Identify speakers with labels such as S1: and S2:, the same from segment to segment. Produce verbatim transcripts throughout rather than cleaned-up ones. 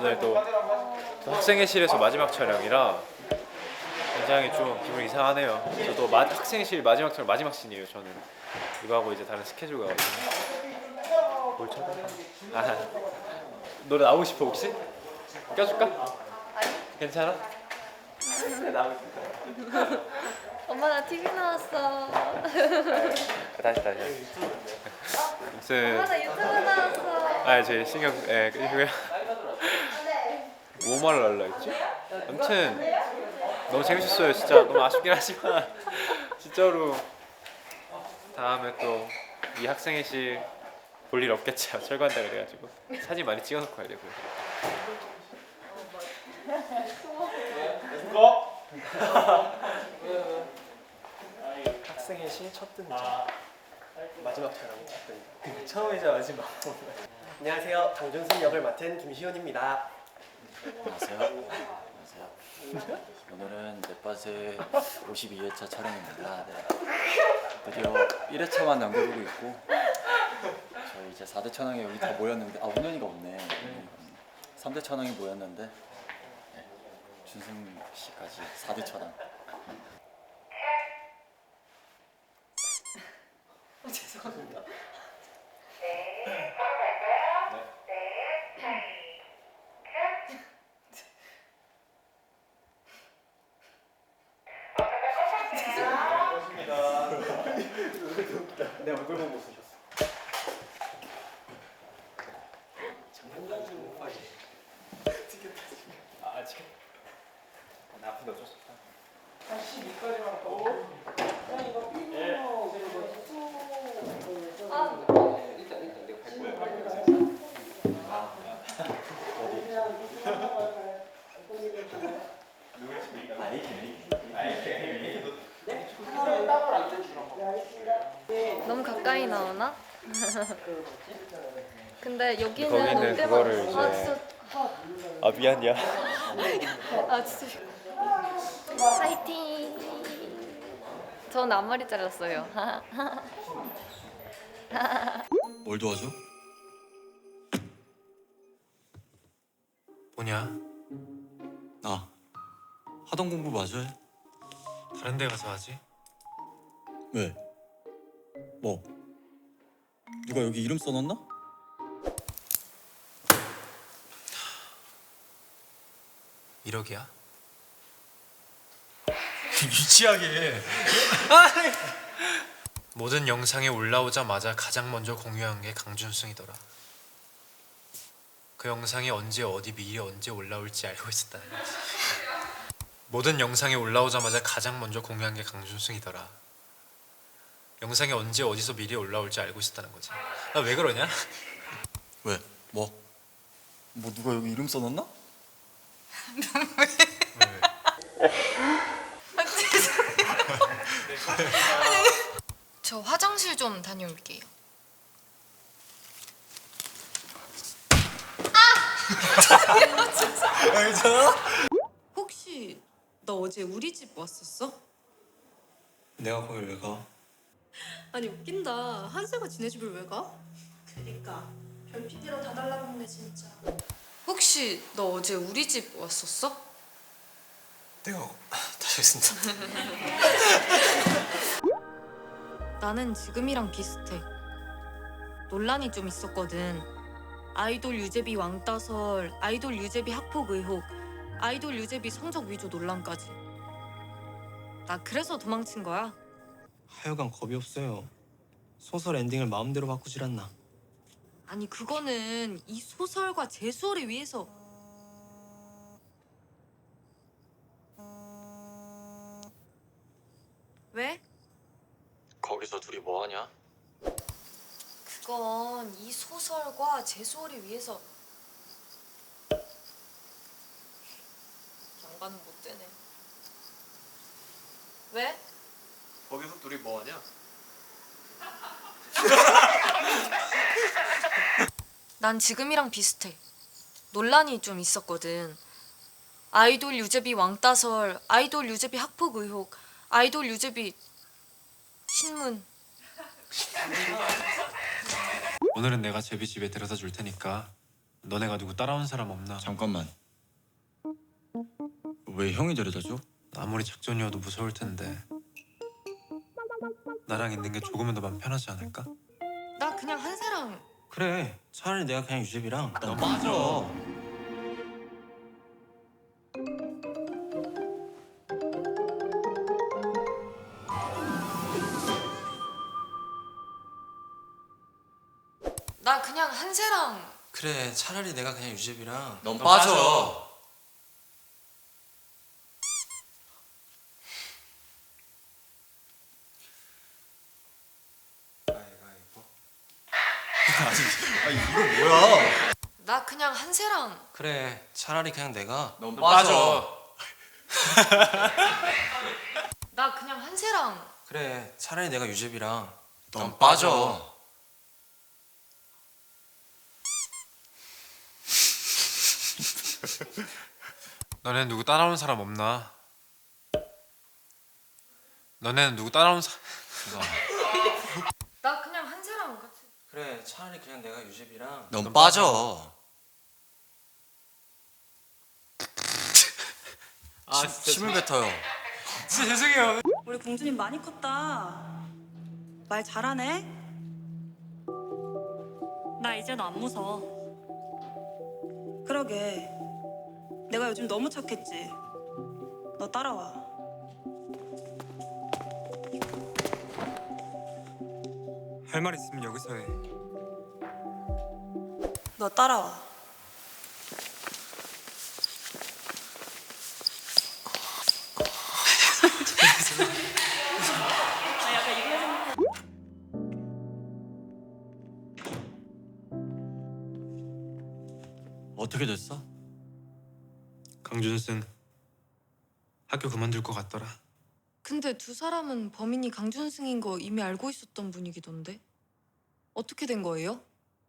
S1: 오늘 또, 또 학생회실에서 마지막 촬영이라 굉장히 좀 기분이 이상하네요. 저도 마, 학생회실 마지막 촬영 마지막 씬이에요. 저는 이거하고 이제 다른 스케줄 가거든요. 뭘 쳐다? 아, 노래 나오고 싶어 혹시? 껴줄까?
S2: 아니.
S1: 괜찮아? 나오고 싶다.
S2: 엄마 나 티비 나왔어.
S1: 다시 다시. 무슨?
S2: 엄마 나 유튜브 나왔어.
S1: 아, 제 신경 예 이거야. 뭐 말을 하려 했지? 아무튼 너무 재밌었어요. 진짜 너무 아쉽긴 하지만 진짜로 다음에 또 이 학생회실 볼 일 없겠죠. 철거한다 그래가지고 사진 많이 찍어놓고 가야 되고.
S3: 학생회실 첫 등장 마지막 촬영 첫 등장 처음이자 마지막. 안녕하세요, 장준승 역을 맡은 김시훈입니다.
S4: 안녕하세요. 안녕하세요. 오늘은 넷밭의 오십이 회차 촬영입니다. 네. 드디어 일 회차만 남겨두고 있고 저희 이제 사 대 천왕이 여기 다 모였는데 아 운현이가 없네. 삼 대 천왕이 모였는데 네. 준승 씨까지 사 대 천왕.
S3: 어, 죄송합니다. 내 얼굴 보고 쓰셨어. 장난감 좀 못 파지. 찍겠다 지금.
S1: 아 지금 나 아픈데 어쩔 수 없다.
S3: 한 십이까지만 하고. 야 이거 삐로
S2: 아.
S3: 일단 일단 내가 갈 거야.
S2: 너무 가까이 나오나? 근데 여기는
S1: 거기는
S2: 올 때마다
S1: 그거를
S2: 아
S1: 이제-
S2: 진짜
S1: 아 미안이야.
S2: 아 진짜 파이팅. 전 앞머리 잘랐어요.
S5: 뭘 도와줘?
S6: 뭐냐?
S5: 아, 하던 공부 마저 해.
S6: 다른 데 가서 하지?
S5: 왜? 뭐? 누가 여기 이름 써놨나?
S6: 일억이야? 유치하게. 모든 영상에 올라오자마자 가장 먼저 공유한 게 강준승이더라. 그 영상이 언제 어디 미리 언제 올라올지 알고 있었다는 거지. 모든 영상에 올라오자마자 가장 먼저 공유한 게 강준승이더라. 영상이 언제 어디서 미리 올라올지 알고 있었다는 거지. 나 왜 그러냐?
S5: 왜? 뭐? 뭐 누가 여기 이름 써놨나?
S2: 저 화장실 좀 다녀올게요.
S7: 혹시 너 어제 우리 집 왔었어?
S5: 내가 거길 왜 가?
S7: 아니 웃긴다. 한세가 지네 집을 왜 가? 그니까 별피디로 다 달라붙네 진짜.
S2: 혹시 너 어제 우리 집 왔었어?
S6: 내가 다시 했습니다.
S7: 나는 지금이랑 비슷해. 논란이 좀 있었거든. 아이돌 유재비 왕따설, 아이돌 유재비 학폭 의혹, 아이돌 유재비 성적 위조 논란까지. 나 그래서 도망친 거야.
S3: 하여간 겁이 없어요. 소설 엔딩을 마음대로 바꾸질 않나.
S7: 아니 그거는 이 소설과 재수를 위해서. 왜?
S4: 거기서 둘이 뭐 하냐?
S2: 그건 이 소설과 재수를 위해서. 양반은 못 되네. 왜?
S1: 거기서 둘이 뭐 하냐?
S2: 난 지금이랑 비슷해. 논란이 좀 있었거든. 아이돌 유재비 왕따설, 아이돌 유재비 학폭 의혹, 아이돌 유재비 신문.
S6: 오늘은 내가 제비 집에 데려다 줄 테니까 너네가 누구 따라온 사람 없나?
S5: 잠깐만. 왜 형이 데려다줘?
S6: 아무리 작전이어도 무서울 텐데 나랑 있는 게 조금은 더 마음 편하지 않을까?
S7: 나 그냥 한세랑
S3: 그래. 차라리 내가 그냥 유재비랑.
S5: 너 빠져.
S2: 나 그냥 한세랑
S3: 그래. 차라리 내가 그냥 유재비랑.
S5: 넌 빠져.
S3: 가위바위보.
S5: 아니 이거 뭐야?
S2: 나 그냥 한세랑
S3: 그래. 차라리 그냥 내가.
S5: 넌 빠져.
S2: 나 그냥 한세랑
S3: 그래. 차라리 내가 유재비랑.
S5: 넌 빠져.
S6: 너네는 누구 따라온 사람 없나? 너네는 누구 따라온 사...
S2: 나 그냥 한세랑 같이
S3: 그래. 차라리 그냥 내가 유재비랑.
S5: 넌 빠져.
S6: 아
S5: 침- 침을 뱉어요.
S6: 진짜 죄송해요.
S8: 우리 공주님 많이 컸다. 말 잘하네.
S7: 나 이제 너 안 무서워.
S8: 그러게. 내가 요즘 너무 착했지. 너 따라와.
S6: 할 말 있으면 여기서 해.
S8: 너 따라와.
S5: 어떻게 됐어?
S6: 강준승 학교 그만둘 것 같더라.
S7: 근데 두 사람은 범인이 강준승인 거 이미 알고 있었던 분위기던데. 어떻게 된 거예요?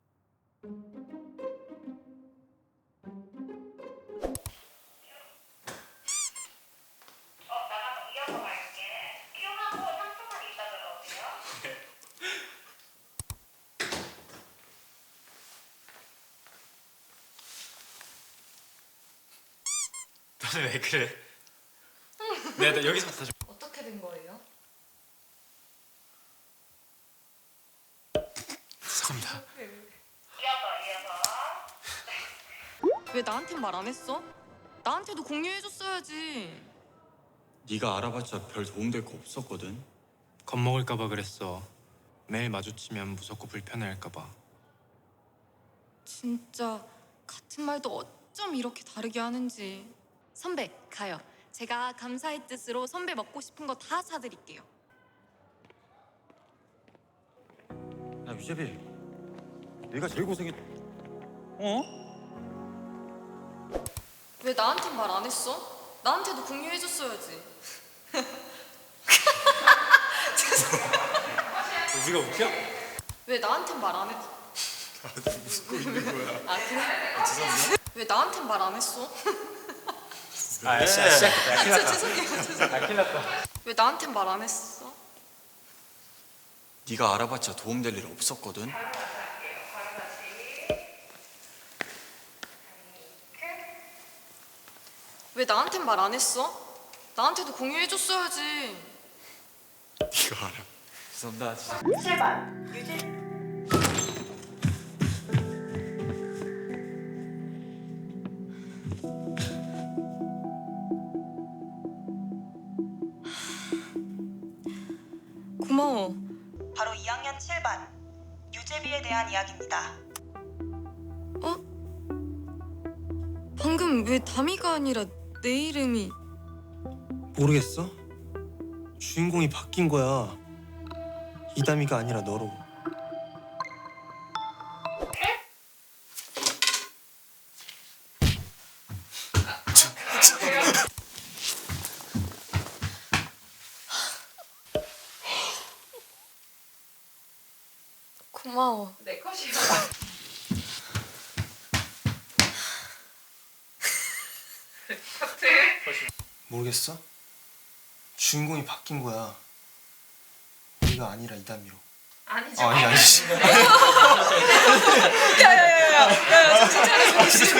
S6: 너네 왜 그래? 내가 나 여기서 다시
S2: 어떻게 된 거예요?
S6: 죄송합니다.
S7: 왜 나한텐 말 안 했어? 나한테도 공유해줬어야지.
S5: 네가 알아봤자 별 도움될 거 없었거든.
S6: 겁먹을까봐 그랬어. 매일 마주치면 무섭고 불편해할까봐.
S7: 진짜 같은 말도 어쩜 이렇게 다르게 하는지. 선배 가요. 제가 감사의 뜻으로 선배 먹고 싶은 거 다 사드릴게요.
S5: 야 유재비, 네가 제일 고생했. 어?
S2: 왜 나한텐 말 안 했어? 나한테도 공유해줬어야지.
S6: 우리가 웃겨?
S2: 왜 나한텐 말 안 했어? 웃고 있는 거야. 아 그래? 죄송합니다. 왜 나한텐 말 안 했어?
S6: 아 시작했다. 야, 큰일
S2: 진짜
S6: 났다.
S2: 죄송해요. 죄송해요.
S6: 아, 큰일 났다.
S2: 왜 나한텐 말 안 했어?
S5: 네가 알아봤자 도움될 일 없었거든.
S2: 왜 나한텐 말 안 했어? 나한테도 공유해줬어야지.
S5: 네가 알아.
S6: 죄송합니다. 진짜.
S8: 칠번 유재.
S7: 고마워.
S8: 바로 이 학년 칠 반 유재비에 대한 이야기입니다.
S7: 어? 방금 왜 다미가 아니라 내 이름이...
S3: 모르겠어? 주인공이 바뀐 거야. 이담이가 아니라 너로.
S2: 고마워. 내 컷이야.
S3: 모르겠어? 주인공이 바뀐 거야. 네가 아니라 이담이로.
S2: 아니지.
S3: 아, 아니 아니지.
S2: 야야야야. 야, 야, 정신 차려.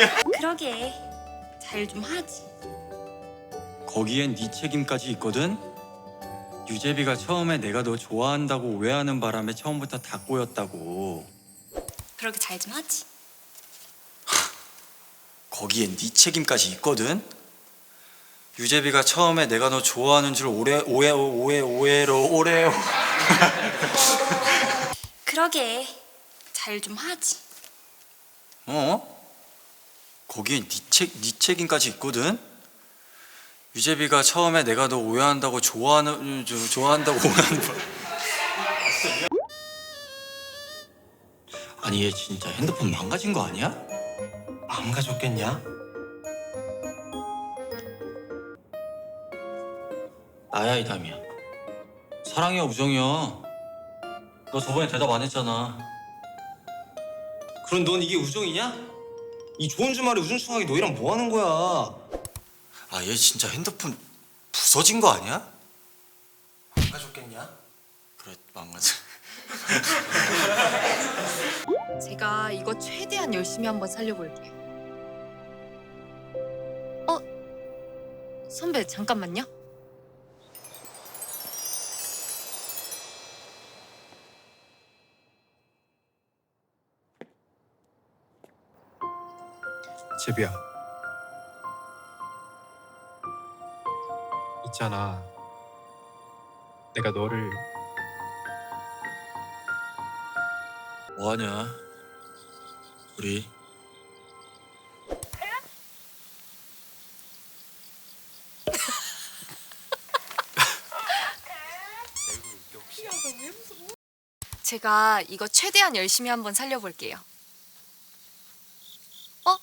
S8: 그러게 잘 좀 하지.
S4: 거기엔 네 책임까지 있거든. 유재비가 처음에 내가 너 좋아한다고 오해하는 바람에 처음부터 다 꼬였다고.
S8: 그러게 잘 좀 하지.
S4: 거기엔 네 책임까지 있거든. 유재비가 처음에 내가 너 좋아하는 줄 오해 오해 오해 오해로 오래.
S8: 그러게 잘 좀 하지.
S4: 어? 거기엔 네 책, 네 책임까지 있거든. 유재비가 처음에 내가 너 오해한다고 좋아하는 저, 좋아한다고 오해하는 바...
S5: 아니 얘 진짜 핸드폰 망가진 거 아니야?
S3: 망가졌겠냐?
S5: 나야 이담이야. 사랑이야 우정이야. 너 저번에 대답 안 했잖아. 그럼 넌 이게 우정이냐? 이 좋은 주말에 우중충하게 너희랑 뭐 하는 거야?
S4: 아, 얘 진짜 핸드폰 부서진 거 아니야?
S3: 망가졌겠냐?
S4: 그래, 망가져.
S7: 제가 이거 최대한 열심히 한번 살려볼게요. 어? 선배 잠깐만요.
S6: 제비야. 있잖아. 내가 너를
S5: 뭐하냐? 우리
S7: 제가 이거 최대한 열심히 한번 살려볼게요. 어?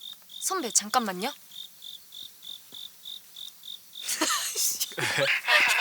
S7: 선배 잠깐만요.